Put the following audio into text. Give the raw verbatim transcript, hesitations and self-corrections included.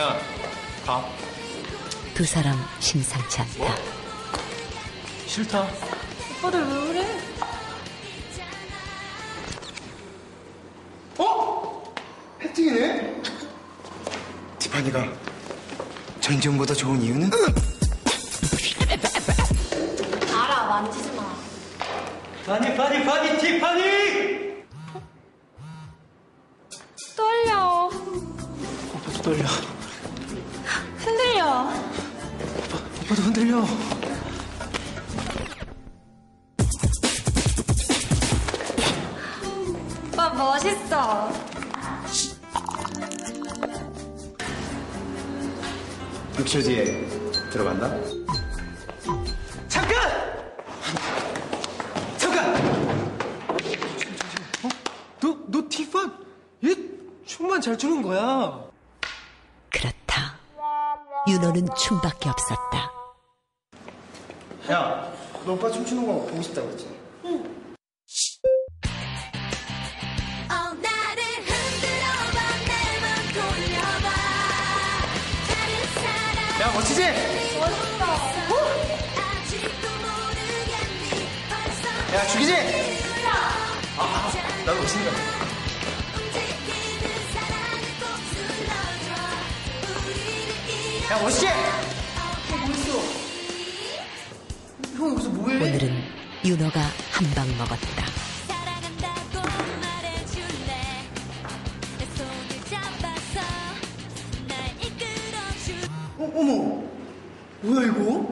야, 가. 두 사람 심상치 않다. 뭐? 싫다. 오빠들 왜 그래? 어? 혜택이네? 티파니가 전지현보다 좋은 이유는? 알아, 만지지 마. 파니, 파니, 파니, 티파니! 떨려. 오빠도 떨려. 흔들려. 오빠도 흔들려. 오빠 멋있어. 육 초 뒤에 들어간다? 잠깐! 잠깐! 어? 너, 너 티파? 얘 춤만 잘 추는 거야. 그렇다. 윤호는 춤밖에 없었다. 야, 너 오빠 춤추는 거 보고 싶다고 그랬지? 야, 멋지지? 야, 죽이지? 아, 나도 멋있는 거야. 야, 멋있지? 형 여기서 뭐해? 오늘은 윤호가 한 방 먹었다. 어, 어머. 뭐야, 이거?